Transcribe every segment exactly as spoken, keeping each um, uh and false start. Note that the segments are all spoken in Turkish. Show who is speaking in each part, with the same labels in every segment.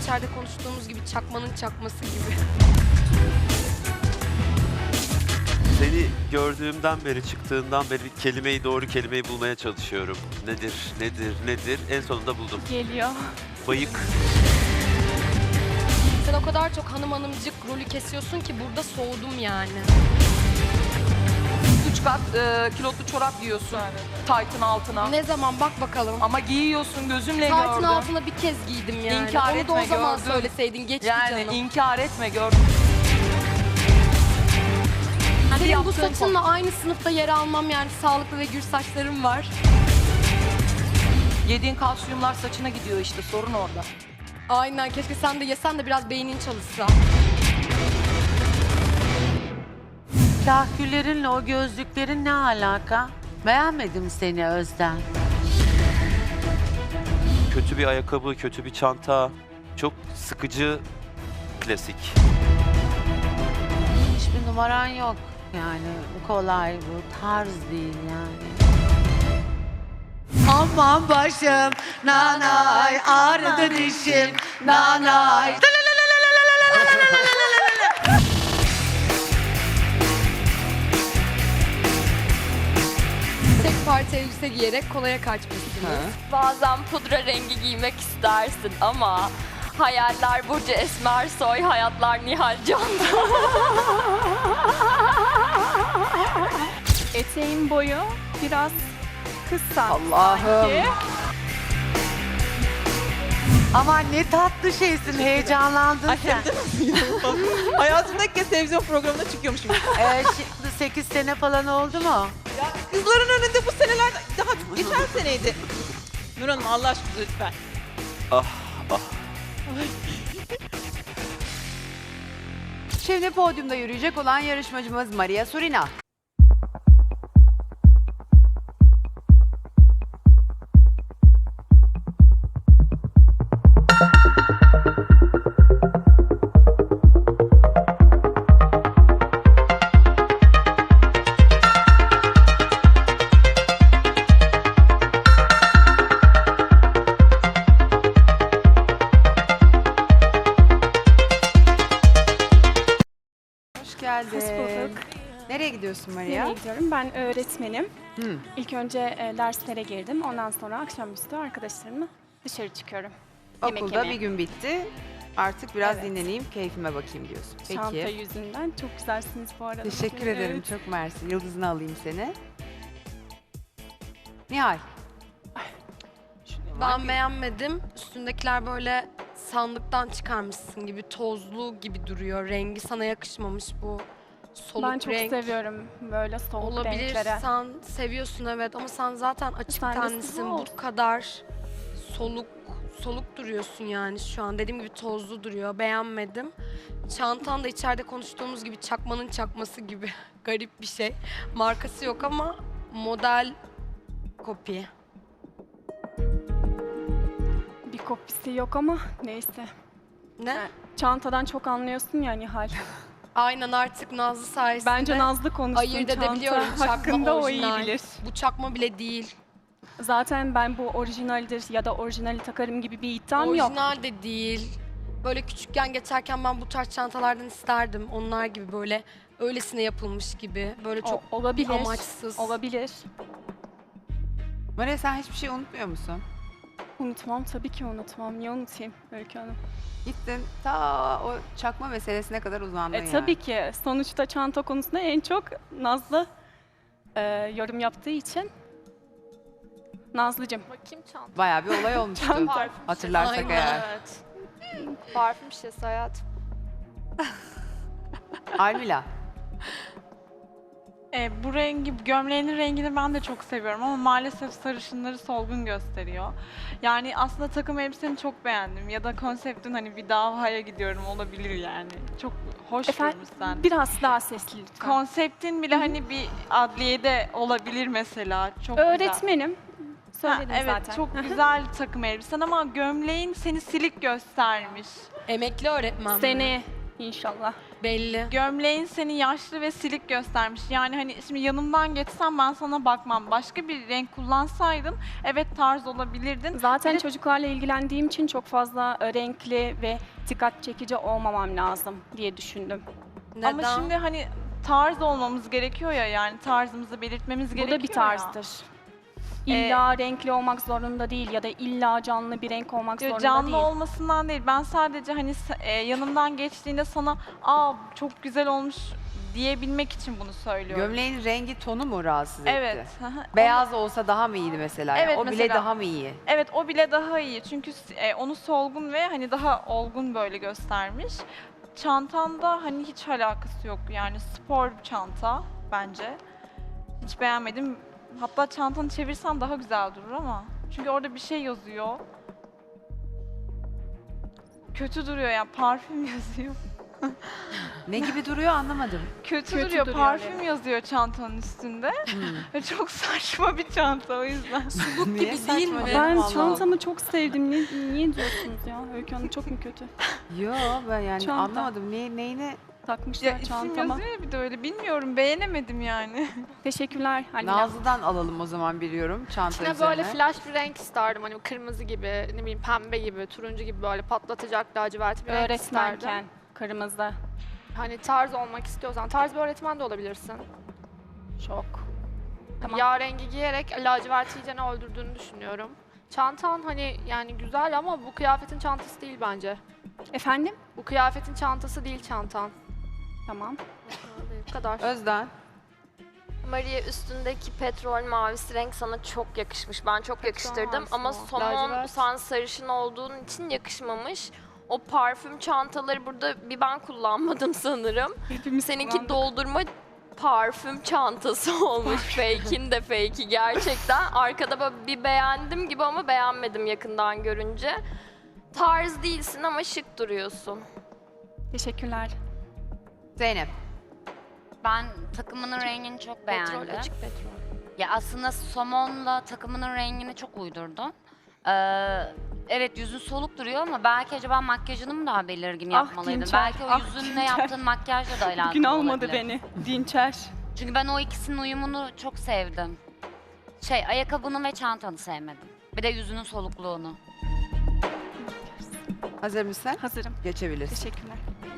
Speaker 1: içeride konuştuğumuz gibi çakmanın çakması gibi.
Speaker 2: Seni gördüğümden beri, çıktığından beri kelimeyi, doğru kelimeyi bulmaya çalışıyorum. Nedir, nedir, nedir? En sonunda buldum.
Speaker 3: Geliyor.
Speaker 2: Bayık.
Speaker 1: Sen o kadar çok hanım hanımcık rolü kesiyorsun ki burada soğudum yani.
Speaker 4: Üç kat e, kilotlu çorap giyiyorsun taytın altına.
Speaker 1: Ne zaman bak bakalım.
Speaker 4: Ama giyiyorsun, gözümle
Speaker 1: Taytın
Speaker 4: gördüm.
Speaker 1: altına bir kez giydim yani.
Speaker 4: İnkar
Speaker 1: Onu da o
Speaker 4: etme,
Speaker 1: zaman
Speaker 4: gördüm.
Speaker 1: söyleseydin geçti
Speaker 4: Yani
Speaker 1: canım.
Speaker 4: inkar etme, gördüm.
Speaker 1: Senin bu
Speaker 4: yaptığın
Speaker 1: saçınla aynı sınıfta yer almam yani sağlıklı ve gür saçlarım var.
Speaker 4: Yediğin kalsiyumlar saçına gidiyor işte, sorun orada.
Speaker 1: Aynen, keşke sen de yesen de biraz beynin çalışsa.
Speaker 5: Kahküllerinle o gözlüklerin ne alaka? Beğenmedim seni Özden.
Speaker 2: Kötü bir ayakkabı, kötü bir çanta. Çok sıkıcı, klasik.
Speaker 5: Hiçbir numaran yok. Yani bu kolay, bu tarz değil yani. Aman başım, nanay, ağrıdı dişim, nanay.
Speaker 1: Tek parça elbise giyerek kolaya kaçmışsınız.
Speaker 3: Bazen pudra rengi giymek istersin ama hayaller Burcu Esmersoy, hayatlar Nihal Can'da. Eteğin boyu biraz kısa.
Speaker 5: Allah'ım. Aman ne tatlı şeysin, heyecanlandın sen.
Speaker 6: Hayatımda ilk kez televizyon programına çıkıyormuşum.
Speaker 5: Ee, şimdi sekiz sene falan oldu mu?
Speaker 6: Ya kızların önünde bu seneler daha geçen seneydi. Nur Hanım Allah aşkına lütfen.
Speaker 2: Ah, ah.
Speaker 7: Şimdi podyumda yürüyecek olan yarışmacımız Maria Surina. Hoş geldin.
Speaker 8: Hoş bulduk.
Speaker 7: Nereye gidiyorsun Maria?
Speaker 8: Nereye gidiyorum? Ben öğretmenim.
Speaker 7: Hı.
Speaker 8: İlk önce e, derslere girdim. Ondan sonra akşamüstü arkadaşlarımla dışarı çıkıyorum. Yemek
Speaker 7: Okulda
Speaker 8: yemeye.
Speaker 7: bir gün bitti. Artık biraz
Speaker 8: Evet.
Speaker 7: dinleneyim, keyfime bakayım diyorsun. Peki.
Speaker 8: Çanta yüzünden. Çok güzelsiniz bu arada.
Speaker 7: Teşekkür
Speaker 8: Evet.
Speaker 7: ederim. Çok mersi. Yıldızını alayım seni. Nihal.
Speaker 1: Ben beğenmedim. Üstündekiler böyle sandıktan çıkarmışsın gibi, tozlu gibi duruyor. Rengi sana yakışmamış bu soluk
Speaker 8: Ben çok
Speaker 1: renk.
Speaker 8: seviyorum böyle soğuk
Speaker 1: Olabilir,
Speaker 8: renklere.
Speaker 1: sen seviyorsun evet ama sen zaten açık
Speaker 8: Sen de
Speaker 1: tenlisin.
Speaker 8: sıvı
Speaker 1: Bu
Speaker 8: olsun.
Speaker 1: kadar soluk soluk duruyorsun yani şu an. Dediğim gibi tozlu duruyor. Beğenmedim. Çantan da içeride konuştuğumuz gibi çakmanın çakması gibi. Garip bir şey. Markası yok ama model kopya.
Speaker 8: Bir kopisi yok ama neyse.
Speaker 1: Ne?
Speaker 8: Çantadan çok anlıyorsun ya Nihal.
Speaker 1: Aynen, artık Nazlı sayesinde
Speaker 8: Bence Nazlı konuşsun
Speaker 1: ayırt
Speaker 8: çanta
Speaker 1: edebiliyorum. Çakma
Speaker 8: hakkında o iyi
Speaker 1: orijinal.
Speaker 8: bilir.
Speaker 1: Bu çakma bile değil.
Speaker 8: Zaten ben bu orijinaldir ya da orijinali takarım gibi bir iddiam yok.
Speaker 1: Orijinal de değil. Böyle küçükken geçerken ben bu tarz çantalardan isterdim. Onlar gibi böyle öylesine yapılmış gibi. Böyle çok
Speaker 8: O- olabilir.
Speaker 1: amaçsız.
Speaker 8: Olabilir.
Speaker 7: Maria sen hiçbir şey unutmuyor musun?
Speaker 8: Unutmam tabii ki unutmam. Niye unutayım Öykü Hanım?
Speaker 7: Gittin ta o çakma meselesine kadar uzandın
Speaker 8: E,
Speaker 7: yani.
Speaker 8: tabii ki. Sonuçta çanta konusunda en çok Nazlı e, yorum yaptığı için. Nazlıcığım.
Speaker 3: Bakayım çanta.
Speaker 7: Bayağı bir olay olmuştu.
Speaker 8: Çanta.
Speaker 7: Hatırlarsak
Speaker 1: Aynen.
Speaker 7: eğer.
Speaker 3: Evet. Parfüm şişesi hayatım.
Speaker 7: Almila.
Speaker 9: E, bu rengi, gömleğinin rengini ben de çok seviyorum ama maalesef sarışınları solgun gösteriyor. Yani aslında takım elbiseni çok beğendim ya da konseptin hani bir davaya gidiyorum olabilir yani. Çok hoş
Speaker 8: Efendim,
Speaker 9: durmuşsun.
Speaker 8: biraz daha sesli lütfen.
Speaker 9: Konseptin bile hani bir adliyede olabilir mesela. Çok güzel.
Speaker 8: Öğretmenim.
Speaker 9: Ha,
Speaker 8: Söyledim
Speaker 9: evet,
Speaker 8: zaten.
Speaker 9: çok güzel takım elbisen ama gömleğin seni silik göstermiş.
Speaker 1: Emekli öğretmen mi?
Speaker 8: Seni inşallah.
Speaker 1: Belli.
Speaker 9: Gömleğin seni yaşlı ve silik göstermiş. Yani hani şimdi yanımdan geçsem ben sana bakmam. Başka bir renk kullansaydın evet tarz olabilirdin.
Speaker 8: Zaten
Speaker 9: Bir de-
Speaker 8: çocuklarla ilgilendiğim için çok fazla e, renkli ve dikkat çekici olmamam lazım diye düşündüm.
Speaker 1: Neden?
Speaker 9: Ama şimdi hani tarz olmamız gerekiyor ya, yani tarzımızı belirtmemiz
Speaker 8: Bu
Speaker 9: gerekiyor
Speaker 8: da bir
Speaker 9: ya.
Speaker 8: tarzdır. İlla renkli olmak zorunda değil ya da illa canlı bir renk olmak
Speaker 9: Yo,
Speaker 8: zorunda
Speaker 9: canlı
Speaker 8: değil.
Speaker 9: olmasından değil. Ben sadece hani sa- e, yanımdan geçtiğinde sana aa çok güzel olmuş diyebilmek için bunu söylüyorum.
Speaker 7: Gömleğin rengi tonu mu rahatsız etti?
Speaker 9: Evet. hı hı.
Speaker 7: Beyaz olsa daha mı iyiydi mesela?
Speaker 9: Evet,
Speaker 7: o bile
Speaker 9: mesela.
Speaker 7: daha mı iyi?
Speaker 9: Evet, o bile daha iyi çünkü e, onu solgun ve hani daha olgun böyle göstermiş. Çantanda hani hiç alakası yok, yani spor bir çanta bence. Hiç beğenmedim. Hatta çantanı çevirsen daha güzel durur ama. Çünkü orada bir şey yazıyor. Kötü duruyor yani, parfüm yazıyor.
Speaker 7: Ne gibi duruyor anlamadım.
Speaker 9: Kötü,
Speaker 8: Kötü
Speaker 9: duruyor,
Speaker 8: duruyor,
Speaker 9: parfüm
Speaker 8: evet.
Speaker 9: yazıyor çantanın üstünde. Ve çok saçma bir çanta o yüzden.
Speaker 7: Niye
Speaker 1: değil
Speaker 7: saçma
Speaker 1: mi?
Speaker 7: canım,
Speaker 8: Ben
Speaker 7: Allah
Speaker 8: çantamı çok sevdim. Niye, niye diyorsunuz ya? Öykü Hanım çok mu kötü?
Speaker 7: Allah. Yo ben yani
Speaker 8: Çanta.
Speaker 7: anlamadım. Ne, neyine?
Speaker 8: Takmışlar
Speaker 9: Ya isim
Speaker 8: çantama.
Speaker 9: yazıyor ya bir de öyle, bilmiyorum, beğenemedim yani.
Speaker 8: Teşekkürler Halil.
Speaker 7: Nazlı'dan alalım o zaman biliyorum çanta
Speaker 10: İçine
Speaker 7: üzerine.
Speaker 10: böyle flash bir renk isterdim. Hani kırmızı gibi, ne bileyim pembe gibi, turuncu gibi böyle patlatacak lacivert bir renk isterdim.
Speaker 8: Öğretmenken kırmızı.
Speaker 10: Hani tarz olmak istiyorsan, tarz bir öğretmen de olabilirsin.
Speaker 8: Çok. Tamam.
Speaker 10: Yağ rengi giyerek lacivert iyicene öldürdüğünü düşünüyorum. Çantan hani yani güzel ama bu kıyafetin çantası değil bence.
Speaker 8: Efendim?
Speaker 10: Bu kıyafetin çantası değil çantan.
Speaker 8: Tamam.
Speaker 10: Bu kadar.
Speaker 7: Özden.
Speaker 3: Maria, üstündeki petrol mavisi renk sana çok yakışmış. Ben çok yakıştırdım
Speaker 10: mavisi
Speaker 3: ama
Speaker 10: o,
Speaker 3: somon
Speaker 10: lacivert.
Speaker 3: sen sarışın olduğun için yakışmamış. O parfüm çantaları burada bir ben kullanmadım sanırım.
Speaker 8: Hepimiz
Speaker 3: Seninki
Speaker 8: kullandık.
Speaker 3: doldurma parfüm çantası olmuş. Fake'in de fake'i gerçekten. Arkada böyle bir beğendim gibi ama beğenmedim yakından görünce. Tarz değilsin ama şık duruyorsun.
Speaker 8: Teşekkürler.
Speaker 7: Zeynep.
Speaker 11: Ben takımının rengini çok beğendim.
Speaker 10: Petrol, açık petrol.
Speaker 11: Ya aslında somonla takımının rengini çok uydurdun. Ee, evet yüzün soluk duruyor ama belki acaba makyajını mı daha belirgin
Speaker 8: Ah,
Speaker 11: yapmalıydın?
Speaker 8: Dinçer,
Speaker 11: Belki o
Speaker 8: ah,
Speaker 11: yüzünle
Speaker 8: Dinçer.
Speaker 11: yaptığın makyajla da alakalı
Speaker 8: Bugün almadı
Speaker 11: olabilir.
Speaker 8: beni. Dinçer.
Speaker 11: Çünkü ben o ikisinin uyumunu çok sevdim. Şey, ayakkabını ve çantanı sevmedim. Bir de yüzünün solukluğunu.
Speaker 7: Hazır mısın?
Speaker 8: Hazırım.
Speaker 7: Geçebilirsin.
Speaker 8: Teşekkürler.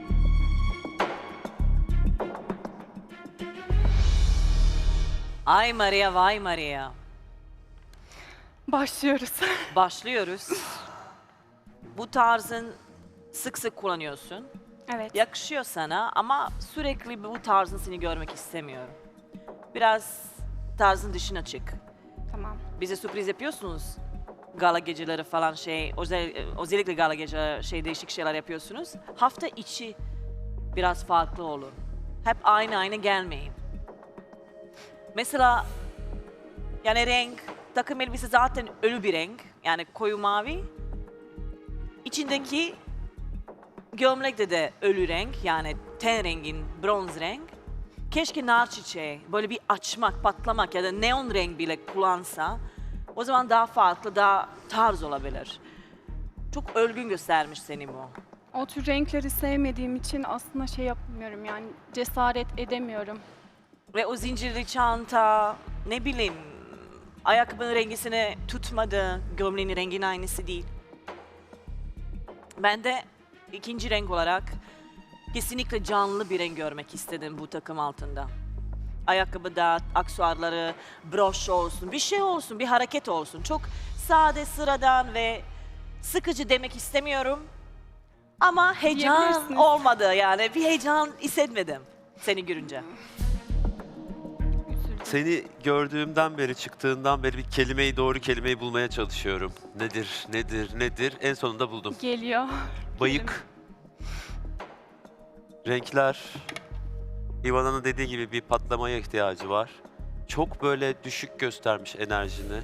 Speaker 12: Ay Maria, vay Maria.
Speaker 8: Başlıyoruz.
Speaker 12: Başlıyoruz. Bu tarzın sık sık kullanıyorsun.
Speaker 8: Evet.
Speaker 12: Yakışıyor sana ama sürekli bu tarzın seni görmek istemiyorum. Biraz tarzın dışına çık.
Speaker 8: Tamam.
Speaker 12: Bize sürpriz yapıyorsunuz. Gala geceleri falan şey, özel, özellikle gala geceleri şey değişik şeyler yapıyorsunuz. Hafta içi biraz farklı olur. Hep aynı aynı gelmeyin. Mesela yani renk, takım elbise zaten ölü bir renk. Yani koyu mavi. İçindeki gömlekte de ölü renk. Yani ten rengin, bronz renk. Keşke nar çiçeği, böyle bir açmak, patlamak ya da neon renk bile kullansa o zaman daha farklı, daha tarz olabilir. Çok ölgün göstermiş seni bu.
Speaker 8: O tür renkleri sevmediğim için aslında şey yapmıyorum yani cesaret edemiyorum.
Speaker 12: Ve o zincirli çanta, ne bileyim, ayakkabının rengisini tutmadı, gömleğinin renginin aynısı değil. Ben de ikinci renk olarak kesinlikle canlı bir renk görmek istedim bu takım altında. Ayakkabıda, aksesuarları, broş olsun, bir şey olsun, bir hareket olsun. Çok sade, sıradan ve sıkıcı demek istemiyorum. Ama heyecan
Speaker 8: Diyebilirsiniz.
Speaker 12: olmadı yani. Bir heyecan hissetmedim seni görünce.
Speaker 2: Seni gördüğümden beri, çıktığından beri bir kelimeyi, doğru kelimeyi bulmaya çalışıyorum. Nedir, nedir, nedir? En sonunda buldum.
Speaker 8: Geliyor.
Speaker 2: Bayık. Renkler. Ivana'nın dediği gibi bir patlamaya ihtiyacı var. Çok böyle düşük göstermiş enerjini.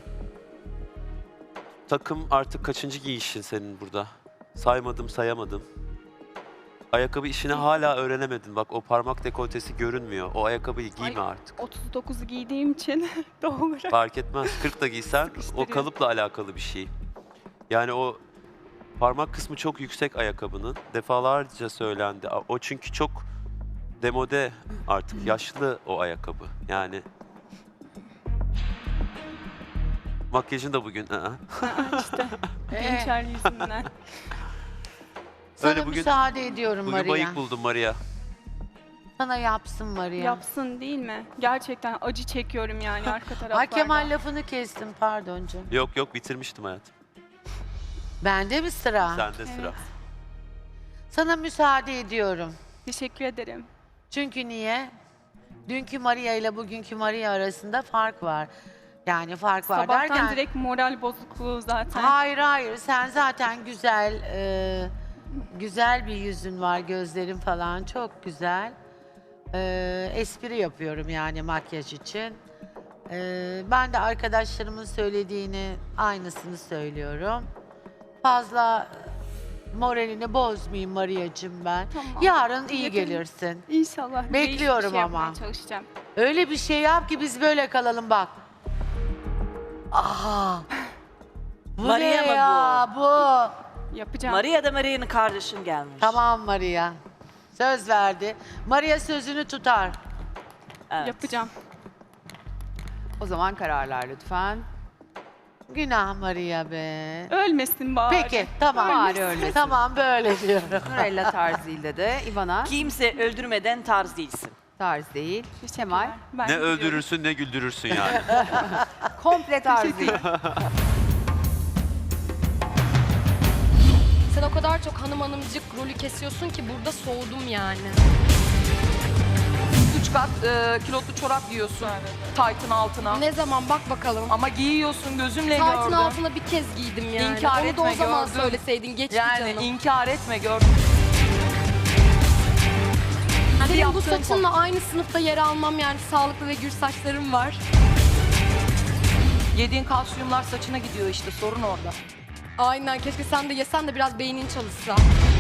Speaker 2: Takım artık kaçıncı giyişin senin burada? Saymadım, sayamadım. Ayakkabı işini hala öğrenemedin. Bak o parmak dekoltesi görünmüyor. O ayakkabıyı giyme
Speaker 8: Ay,
Speaker 2: artık.
Speaker 8: otuz dokuzu giydiğim için doğal olarak.
Speaker 2: Fark etmez. kırk da giysen o
Speaker 8: Sıkıştırıyor.
Speaker 2: kalıpla alakalı bir şey. Yani o parmak kısmı çok yüksek ayakkabının. Defalarca söylendi. O çünkü çok demode artık. Yaşlı o ayakkabı. Yani makyajın da bugün. ı-ı.
Speaker 8: işte
Speaker 5: Ee,
Speaker 8: gençler yüzünden.
Speaker 5: sana
Speaker 2: Öyle bugün-
Speaker 5: müsaade ediyorum
Speaker 2: Bugün
Speaker 5: Maria.
Speaker 2: bayık buldum Maria.
Speaker 5: Sana yapsın Maria.
Speaker 8: Yapsın değil mi? Gerçekten acı çekiyorum yani arka taraflarda.
Speaker 5: Ay Kemal lafını kestim pardon canım.
Speaker 2: Yok yok bitirmiştim hayatım.
Speaker 5: Bende mi sıra?
Speaker 2: Sende sıra.
Speaker 5: Sana müsaade ediyorum.
Speaker 8: Teşekkür ederim.
Speaker 5: Çünkü niye? Dünkü Maria ile bugünkü Maria arasında fark var. Yani fark var
Speaker 8: Sabahtan
Speaker 5: derken...
Speaker 8: direkt moral bozukluğu zaten.
Speaker 5: Hayır hayır sen zaten güzel, e, güzel bir yüzün var, gözlerin falan çok güzel. E, espri yapıyorum yani makyaj için. E, ben de arkadaşlarımın söylediğini aynısını söylüyorum. Fazla moralini bozmayayım Maria'cığım ben.
Speaker 8: Tamam.
Speaker 5: Yarın iyi
Speaker 8: Yakın-
Speaker 5: gelirsin.
Speaker 8: İnşallah. değişik bir
Speaker 5: Bekliyorum
Speaker 8: şey
Speaker 5: ama.
Speaker 8: yapmaya çalışacağım.
Speaker 5: Öyle bir şey yap ki biz böyle kalalım bak. Aha. Bu
Speaker 12: Maria
Speaker 5: ne
Speaker 12: mı
Speaker 5: ya bu?
Speaker 8: Yapacağım.
Speaker 12: Maria da Maria'nın kardeşin gelmiş.
Speaker 5: Tamam Maria. Söz verdi. Maria sözünü tutar.
Speaker 12: Evet.
Speaker 8: Yapacağım.
Speaker 7: O zaman kararlar lütfen.
Speaker 5: Günah Maria be.
Speaker 8: Ölmesin bari.
Speaker 5: Peki tamam.
Speaker 7: Bari ölmesin.
Speaker 5: Tamam böyle diyorum.
Speaker 7: Nurella tarzıyla de Ivana
Speaker 12: Kimse öldürmeden tarz değilsin.
Speaker 7: tarz değil. Kemal
Speaker 8: Ben
Speaker 2: Ne
Speaker 8: gidiyorum.
Speaker 2: öldürürsün ne güldürürsün yani.
Speaker 7: komple tarz değil.
Speaker 1: Sen o kadar çok hanım hanımcık rolü kesiyorsun ki burada soğudum yani.
Speaker 4: Üç kat e, kilotlu çorap giyiyorsun. Taytın altına.
Speaker 1: Ne zaman bak bakalım.
Speaker 4: Ama giyiyorsun gözümle
Speaker 1: Taytın
Speaker 4: gördüm.
Speaker 1: altına bir kez giydim yani.
Speaker 4: İnkar
Speaker 1: Onu da o
Speaker 4: etme,
Speaker 1: zaman
Speaker 4: gördüm.
Speaker 1: söyleseydin geçti
Speaker 4: Yani
Speaker 1: canım.
Speaker 4: inkar etme gördüm. Hadi
Speaker 1: Senin bu
Speaker 4: yaptığın
Speaker 1: saçınla aynı sınıfta yer almam yani sağlıklı ve gür saçlarım var.
Speaker 4: Yediğin kalsiyumlar saçına gidiyor işte sorun orada.
Speaker 1: Aynen keşke sen de yesen de biraz beynin çalışsa.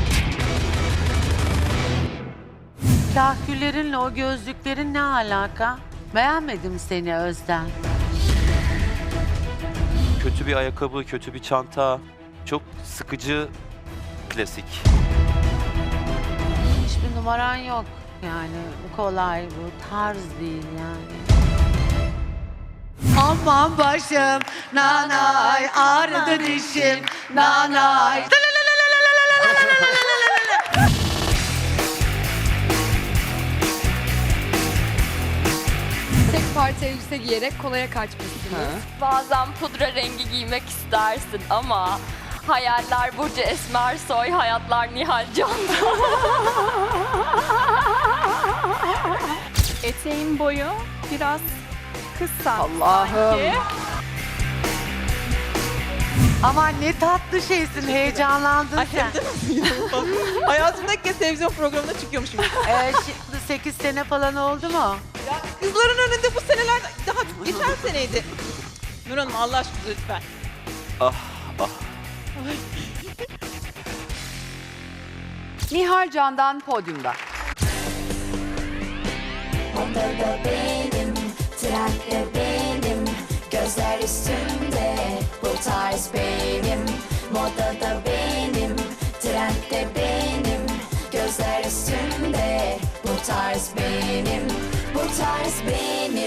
Speaker 5: Kahküllerinle o gözlüklerin ne alaka? Beğenmedim seni Özden.
Speaker 2: Kötü bir ayakkabı, kötü bir çanta. Çok sıkıcı, klasik.
Speaker 5: Hiçbir numaran yok. Yani bu kolay, bu tarz değil yani. Aman başım, nanay, ağrıdı dişim, nanay.
Speaker 1: Tek parça elbise giyerek kolaya kaçmışsınız.
Speaker 3: Bazen pudra rengi giymek istersin ama hayaller Burcu Esmersoy, hayatlar Nihal Can'da.
Speaker 8: Eteğin boyu biraz kısa
Speaker 7: Allah'ım.
Speaker 8: sanki.
Speaker 5: Aman ne tatlı şeysin, heyecanlandın sen.
Speaker 6: Hayatımda ilk kez televizyon programına çıkıyormuşum.
Speaker 5: Ee, şimdi sekiz sene falan oldu mu?
Speaker 6: Ya kızların önünde bu seneler daha geçen seneydi. Nur Hanım Allah aşkına lütfen.
Speaker 2: Ah ah.
Speaker 7: Nihal Can'dan podyumda.
Speaker 13: Odada benim, trendde benim, gözler üstümde, bu tarz benim. Modada benim, trendde benim, gözler üstümde, bu tarz benim, bu tarz benim.